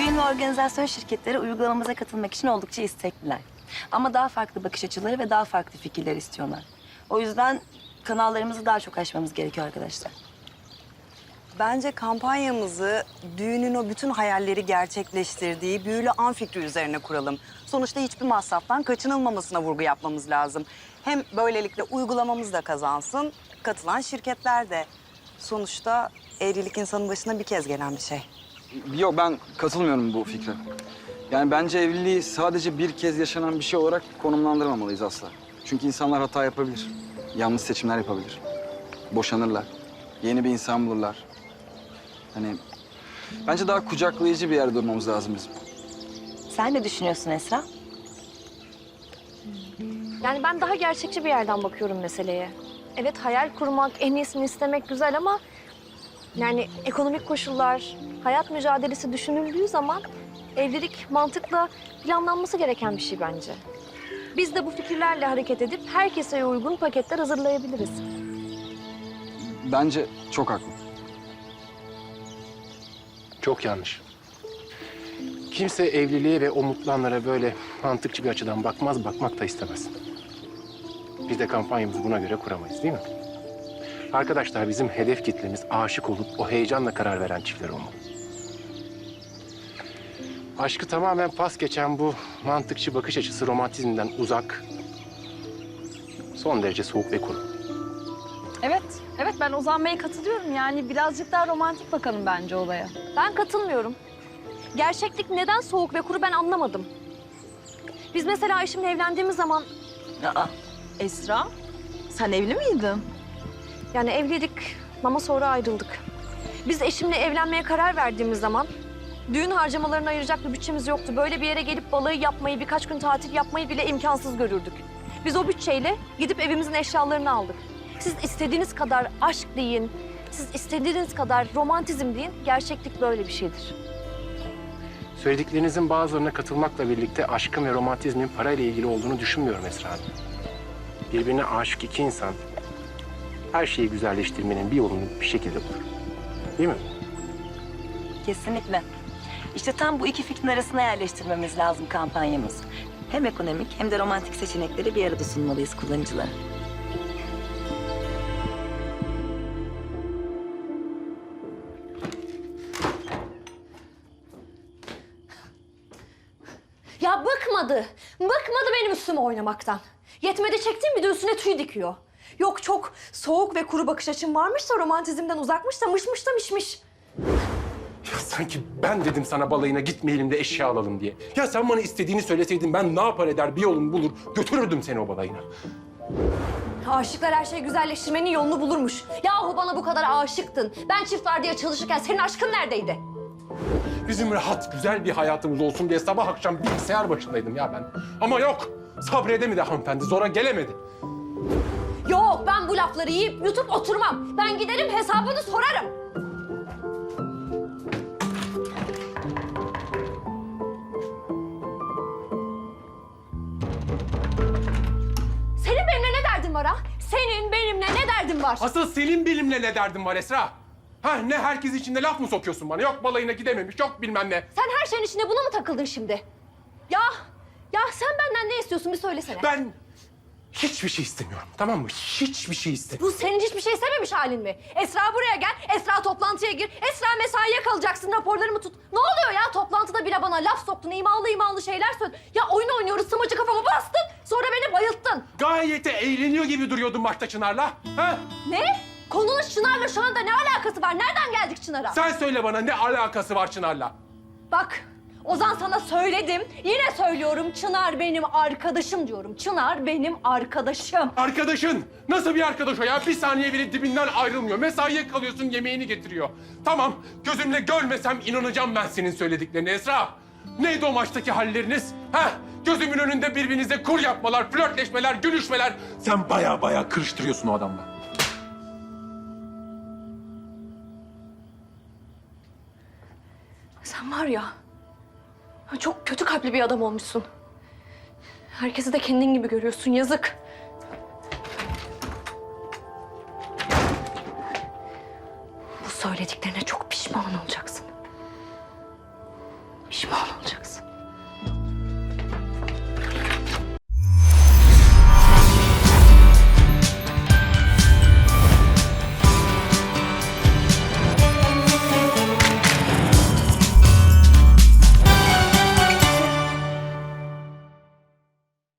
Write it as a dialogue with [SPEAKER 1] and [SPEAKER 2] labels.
[SPEAKER 1] Düğün ve organizasyon şirketleri uygulamamıza katılmak için oldukça istekliler. Ama daha farklı bakış açıları ve daha farklı fikirler istiyorlar. O yüzden kanallarımızı daha çok aşmamız gerekiyor arkadaşlar.
[SPEAKER 2] Bence kampanyamızı düğünün o bütün hayalleri gerçekleştirdiği büyülü an fikri üzerine kuralım. Sonuçta hiçbir masraftan kaçınılmamasına vurgu yapmamız lazım. Hem böylelikle uygulamamız da kazansın, katılan şirketler de. Sonuçta evlilik insanın başına bir kez gelen bir şey.
[SPEAKER 3] Yok, ben katılmıyorum bu fikre. Yani bence evliliği sadece bir kez yaşanan bir şey olarak konumlandırmamalıyız asla. Çünkü insanlar hata yapabilir. Yanlış seçimler yapabilir. Boşanırlar. Yeni bir insan bulurlar. Hani bence daha kucaklayıcı bir yerde durmamız lazım bizim.
[SPEAKER 1] Sen ne düşünüyorsun Esra?
[SPEAKER 4] Yani ben daha gerçekçi bir yerden bakıyorum meseleye. Evet, hayal kurmak, en iyisini istemek güzel ama... yani ekonomik koşullar, hayat mücadelesi düşünüldüğü zaman... evlilik mantıkla planlanması gereken bir şey bence. Biz de bu fikirlerle hareket edip herkese uygun paketler hazırlayabiliriz.
[SPEAKER 3] Bence çok haklı.
[SPEAKER 5] Çok yanlış. Kimse evliliğe ve o mutlu anlara böyle mantıkçı bir açıdan bakmaz, bakmak da istemez. Biz de kampanyamızı buna göre kuramayız, değil mi? Arkadaşlar, bizim hedef kitlemiz aşık olup o heyecanla karar veren çiftler olmalı. Aşkı tamamen pas geçen bu mantıkçı bakış açısı romantizmden uzak, son derece soğuk ve kuru.
[SPEAKER 6] Evet ben Ozan Bey'e katılıyorum. Yani birazcık daha romantik bakalım bence olaya.
[SPEAKER 4] Ben katılmıyorum. Gerçeklik neden soğuk ve kuru ben anlamadım. Biz mesela eşimle evlendiğimiz zaman...
[SPEAKER 1] Aa,
[SPEAKER 6] Esra, sen evli miydin?
[SPEAKER 4] yani evliydik ama sonra ayrıldık. Biz eşimle evlenmeye karar verdiğimiz zaman... düğün harcamalarını ayıracak bir bütçemiz yoktu. Böyle bir yere gelip balayı yapmayı, birkaç gün tatil yapmayı bile imkansız görürdük. Biz o bütçeyle gidip evimizin eşyalarını aldık. Siz istediğiniz kadar aşk deyin, siz istediğiniz kadar romantizm deyin. Gerçeklik böyle bir şeydir.
[SPEAKER 5] Söylediklerinizin bazılarına katılmakla birlikte aşkın ve romantizmin parayla ilgili olduğunu düşünmüyorum Esra Hanım. Birbirine aşık iki insan her şeyi güzelleştirmenin bir yolunu bir şekilde bulur. Değil mi?
[SPEAKER 1] kesinlikle. İşte tam bu iki fikrin arasına yerleştirmemiz lazım kampanyamızı. Hem ekonomik hem de romantik seçenekleri bir arada sunmalıyız kullanıcılara.
[SPEAKER 4] Ya bıkmadı. Bıkmadı benim üstüme oynamaktan. Yetmedi çektiğim bir de üstüne tüy dikiyor. Yok çok soğuk ve kuru bakış açım varmış da romantizmden uzakmış da mışmış da mişmiş.
[SPEAKER 5] Ya sanki ben dedim sana balayına gitmeyelim de eşya alalım diye. Ya sen bana istediğini söyleseydin ben ne yapar eder bir yolunu bulur götürürdüm seni o balayına.
[SPEAKER 4] Aşıklar her şeyi güzelleştirmenin yolunu bulurmuş. Yahu bana bu kadar aşıktın. Ben çift vardiya çalışırken senin aşkın neredeydi?
[SPEAKER 5] Bizim rahat güzel bir hayatımız olsun diye sabah akşam bilgisayar başındaydım ya ben. Ama yok sabredemedi hanımefendi zora gelemedi.
[SPEAKER 4] Yok ben bu lafları yiyip yutup oturmam. Ben giderim hesabını sorarım. Senin benimle ne derdin var ha? Senin benimle ne derdin var?
[SPEAKER 5] Asıl senin benimle ne derdin var Esra? Ha ne herkes içinde laf mı sokuyorsun bana? Yok balayına gidememiş, yok bilmem ne.
[SPEAKER 4] Sen her şeyin içine buna mı takıldın şimdi? Ya sen benden ne istiyorsun bir söylesene.
[SPEAKER 5] Ben hiçbir şey istemiyorum, tamam mı? Hiçbir şey istemiyorum.
[SPEAKER 4] Bu senin hiçbir şey istememiş halin mi? Esra buraya gel, Esra toplantıya gir, Esra mesaiye kalacaksın, raporlarımı tut. Ne oluyor ya? Toplantıda bile bana laf soktun, imalı şeyler söyledin. Ya oyun oynuyoruz, sımacı kafama bastın, sonra beni bayılttın.
[SPEAKER 5] Gayet de eğleniyor gibi duruyordun başta Çınar'la. Ha?
[SPEAKER 4] Ne? Konunun Çınar'la şu anda ne alakası var? Nereden geldik Çınar'a?
[SPEAKER 5] Sen söyle bana ne alakası var Çınar'la?
[SPEAKER 4] Bak, Ozan sana söyledim, yine söylüyorum. Çınar benim arkadaşım diyorum. Çınar benim arkadaşım.
[SPEAKER 5] Arkadaşın! Nasıl bir arkadaş o ya? Bir saniye bile dibinden ayrılmıyor. Mesaiye kalıyorsun, yemeğini getiriyor. Tamam, gözümle görmesem inanacağım ben senin söylediklerine Esra. Neydi o maçtaki halleriniz? Ha? Gözümün önünde birbirinize kur yapmalar, flörtleşmeler, gülüşmeler. Sen baya kırıştırıyorsun o adamla.
[SPEAKER 4] Sen var ya, çok kötü kalpli bir adam olmuşsun. Herkesi de kendin gibi görüyorsun, yazık. Bu söylediklerine çok pişman olacaksın.
[SPEAKER 1] Pişman olacaksın.